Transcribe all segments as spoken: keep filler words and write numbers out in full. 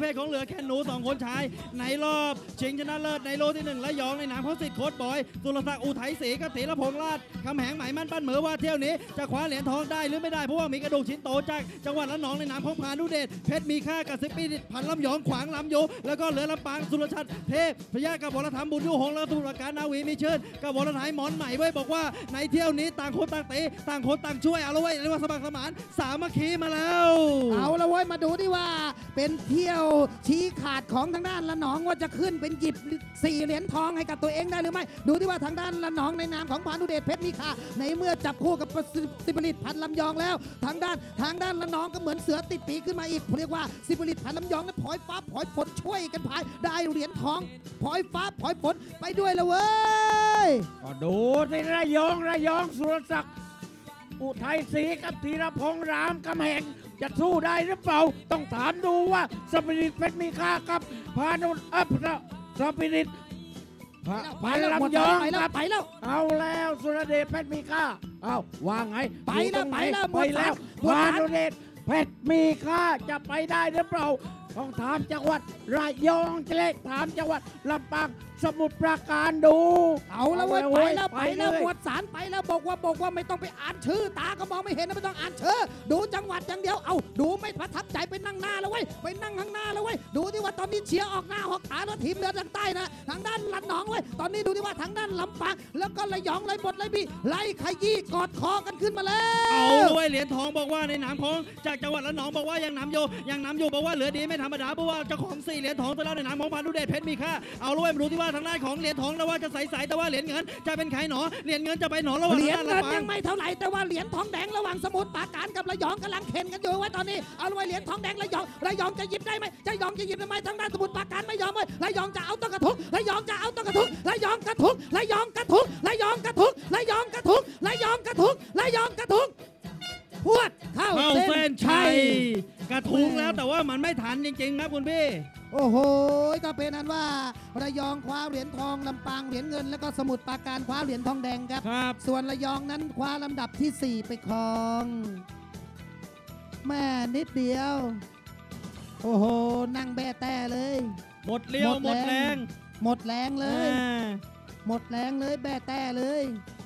ภทของเหลือแค่หนูสองคนชายในรอบชิงชนะเลิศในโลที่หนึ่งและยองในนามของสิทธิ์โค้ชบอยสุรศักดิ์อุทัยศรีกับธีรพงษ์ราชคำแหงหมายมั่นปั้นเหมือว่าเที่ยวนี้จะคว้าเหรียญทองได้หรือไม่ได้เพราะว่ามีกระดูกชิ้นโตจากจังหวัดระนองในนามของพานุเดชเพชรมีค่ากับสิบปีพันลำยองขวางลำโยแล้วก็เหลือลำปางสุรชัดเทพพยากับวรธรรมบุญยุหงและตุลาการนาวีมีเชิญกับวรไทยหมอนใหม่ไว้บอกว่าในเที่ยวนี้ต่างคนต่างเตะต่างคนต่างช่วยเอาละไว้เรียกว่าสมัครสมานสามัคคีมาแล้วเอาละเว้ยมาดูดิว่าเป็นเที่ยวชี้ขาดของทางด้านละนองว่าจะขึ้นเป็นหยิบสี่เหรียญทองให้กับตัวเองได้หรือไม่ดูที่ว่าทางด้านละนองในนามของพานุเดชเพชรมีค่าในเมื่อจับคู่กับสิบลิตพันลำยองแล้วทางด้านทางด้านละนองก็เหมือนเสือติดปีกขึ้นมาอีกเรียกว่าสิบลิตพันลำยองนั้นพลอยฟ้าพลอยฝนช่วยกันพายได้เหรียญทองพลอยฟ้าพลอยฝนไปด้วยละเว้ยก็ดูที่ระยองระยองสุรศักดิ์อุทัยศรีกับธีรพงษ์รามกำแหงจะสู้ได้หรือเปล่าต้องถามดูว่าสปิริตเพชรมีค่ากับพานุอัพสปิริตพันลำยองครับไปแล้วเอาแล้วสุรเดชเพชรมีค่าเอาว่าไงไปแล้วไปแล้วไปแล้วพานุเดชเพชรมีค่าจะไปได้หรือเปล่าต้องถามจังหวัดระยองจะเล็กถามจังหวัดลำปางสมุทรปราการดูเอาแล้วเว้ยไปแล้วไปแล้วหมวดสารไปแล้วบอกว่าบอกว่าไม่ต้องไปอ่านชื่อตาก็มองไม่เห็นนะไม่ต้องอ่านชื่อดูจังหวัดอย่างเดียวเอาดูไม่ประทับใจไปนั่งหน้าแล้วเว้ยไปนั่งข้างหน้าแล้วเว้ยดูที่ว่าตอนนี้เชียร์ออกหน้าออกขาแล้วทีมเรือทางใต้นะทางด้านละนองเว้ยตอนนี้ดูที่ว่าทางด้านลำปางแล้วก็ระยองไรบดไรบีไล่ขยี้กอดคอกันขึ้นมาแล้วเอาด้วยเหรียญทองบอกว่าในนามของจากจังหวัดละนองบอกว่ายังนำโยยังนำโยบอกว่าเหลือดีไม่ธรรมดาเพราะว่าเจ้าของสี่เหรียญทองตัวแล้วในนามของพานุเดชเพชรมีค่าเอาด้วยมาดูที่ว่าทางด้านของเหรียญทองแล้วว่าจะใสๆแต่ว่าเหรียญเงินจะเป็นใครหนอเหรียญเงินจะไปหนอระหว่างเหรียญเงินยังไม่เท่าไหร่แต่ว่าเหรียญทองแดงระหว่างสมุทรปราการกับระยองกำลังเข็นกันอยู่ไว้ตอนนี้เอาไว้เหรียญทองแดงระยองระยองจะหยิบได้ไหมจะยองจะหยิบได้ไหมทางด้านสมุทรปราการไม่ยอมเลยระยองจะเอาต้นกระทุกระยองจะเอาต้นกระทุกระยองกระทุกระยองกระทุกระยองกระทุกระยองกระทุกระยองกระทุกระยองกระทุกพวดเข้าเส้นชัยกระทุ้งแล้วแต่ว่ามันไม่ทันจริงๆครับคุณพี่โอ้โหก็เป็นนั้นว่าระยองคว้าเหรียญทองลำปางเหรียญเงินแล้วก็สมุทรปราการคว้าเหรียญทองแดงครับส่วนระยองนั้นคว้าลำดับที่สี่ไปครองแม่นิดเดียวโอ้โหนั่งแบแต่เลยหมดเลี้ยวหมดแรงหมดแรงเลยหมดแรงเลยแบแต่เลย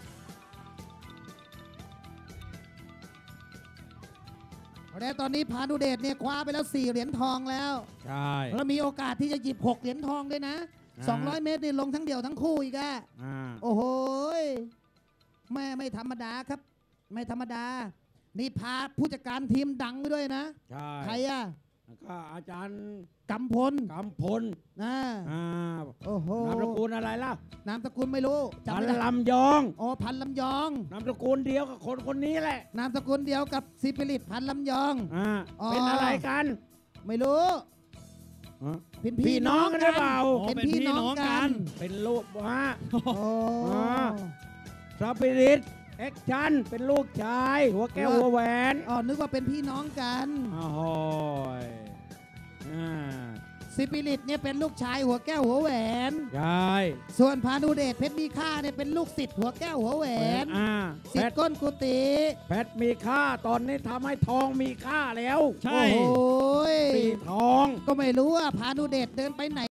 แต่ตอนนี้พานุเดชเนี่ยคว้าไปแล้วสี่เหรียญทองแล้วใช่แล้วมีโอกาสที่จะหยิบหกเหรียญทองด้วยนะสองร้อยเมตรนี่ลงทั้งเดี่ยวทั้งคู่อีกอะโอ้โหแม่ไม่ธรรมดาครับไม่ธรรมดานี่พาผู้จัดการทีมดังด้วยนะใครอะก็อาจารย์กำพลกำพลนะโอ้โหนามสกุลอะไรล่ะนามสกุลไม่รู้พันลำยองโอ้พันลำยองนามสกุลเดียวกับคนคนนี้แหละนามสกุลเดียวกับซิปิริตพันลำยองเป็นอะไรกันไม่รู้เป็นพี่น้องกันหรือเปล่าเป็นพี่น้องกันเป็นลูกฮะสปิริตแอคชั่นเป็นลูกชายหัวแก้วหัวแหวนอ๋อนึกว่าเป็นพี่น้องกันอ๋อซิปิริตเนี่ยเป็นลูกชายหัวแก้วหัวแหวนใช่ส่วนพานุเดชเพชรมีค่าเนี่ยเป็นลูกศิษย์หัวแก้วหัวแหวนศิษย์ก้นกุฏิเพชรมีค่าตอนนี้ทำให้ทองมีค่าแล้วใช่สีทองก็ไม่รู้ว่าพานุเดชเดินไปไหน